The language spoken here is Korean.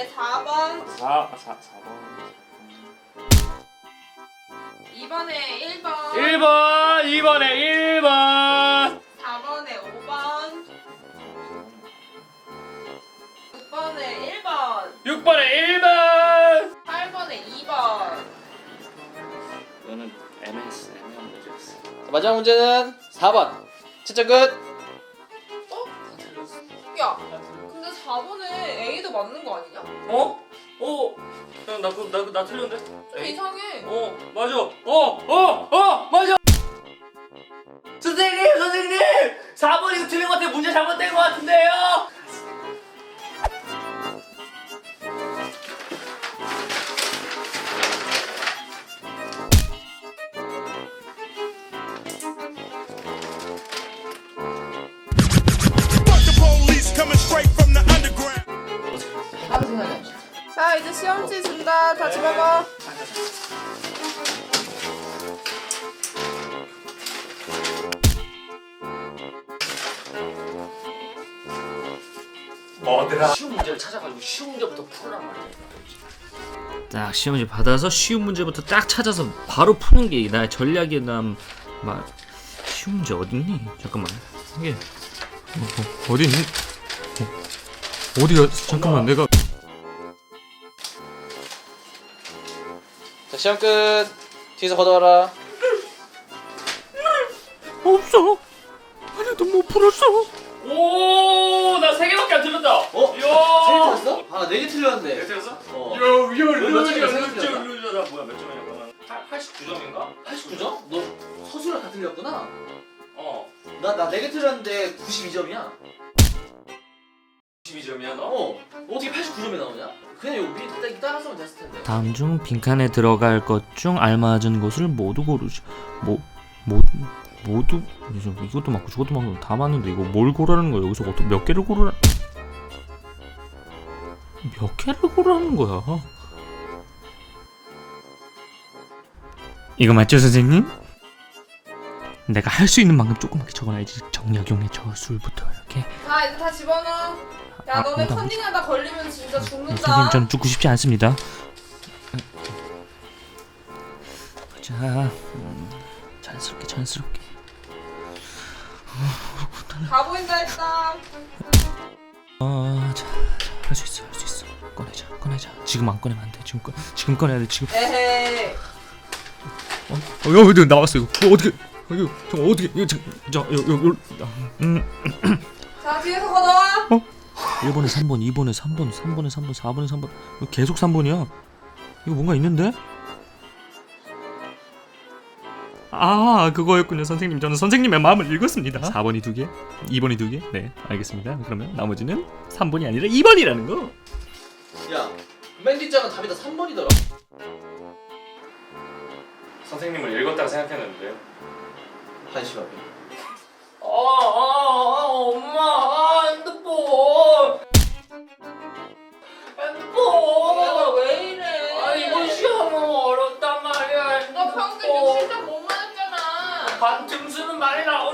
4번. 4번. 2번에 1번. 1번. 2번에 1번. 4번에 5번. 6번에 1번. 6번에 1번. 8번에 2번. 이거는 애매한 문제였어. 마지막 문제는 4번. 채점 끝. 야, 근데 4번에 A도 맞는 거 아니냐? 어? 나 틀렸는데? 좀 이상해. 맞아. 맞아. 선생님! 4번 이거 틀린 것 같아요. 문제 잘못된 것 같은데요? 아무 생각이 안 나. 자, 이제 시험지 준다. 다 집어봐. 뭐더라? 쉬운 문제를 찾아가지고 쉬운 문제부터 풀어란 말이야. 딱 시험지 받아서 쉬운 문제부터 딱 찾아서 바로 푸는 게 나의 전략이야. 난 막 쉬운 문제 어딨니? 잠깐만 이게 어디 있니? 어디가? 잠깐만 내가 자, 시험 끝. 뒤에서 걷어와라. 없어. 하나도 못 풀었어. 오, 나 3개밖에 안 틀렸다. 어? 이야. 3개 틀렸어? 아, 4개 틀렸는데. 네, 틀렸어? 어. 몇 점이야, 나 뭐야, 몇 점이야? 89점인가? 89점? 너 서술랑 다 틀렸구나. 나 4개 틀렸는데 92점이야. 92점이야 너? 어떻게 89점이 나오냐? 그냥 여기 위에 따라서면 됐을 텐데. 다음 중 빈칸에 들어갈 것 중 알맞은 것을 모두 고르시. 모두 이것도 맞고 저것도 맞고 다 맞는데 이거 뭘 고르라는 거야? 여기서 어떻게 몇 개를 고르라? 몇 개를 고르라는 거야? 이거 맞죠, 선생님? 내가 할 수 있는 만큼 조그맣게 적어놔야지. 정약용의 저술부터 이렇게. 자, 이제 다 집어넣어. 야, 아, 너네 나 컨닝하다 걸리면 진짜 죽는다. 선생님 저는 죽고 싶지 않습니다. 자, 자연스럽게. 다 보인다 일단. 자, 할 수 있어. 꺼내자. 지금 안 꺼내면 안 돼. 지금 꺼내야 돼. 지금. 에헤이. 이거 나왔어 이거. 어떻게? 이거 어떻게? 이거 자, 뒤에서 걷어와. 1번에 3번, 2번에 3번, 3번에 3번, 4번에 3번. 이거 계속 3번이야. 이거 뭔가 있는데? 아, 그거였군요, 선생님. 저는 선생님의 마음을 읽었습니다. 4번이 2개, 2번이 2개. 네, 알겠습니다. 그러면 나머지는 3번이 아니라 2번이라는 거. 야, 맨 뒷장은 답이 다 3번이더라. 선생님을 읽었다고 생각했는데요. 한시간. 엄마, 핸드폰. 얘가 왜 이래? 이거 시험 너무 어렵단 말이야. 너 평균 67점 못 맞았잖아. 반등수는 많이 나와.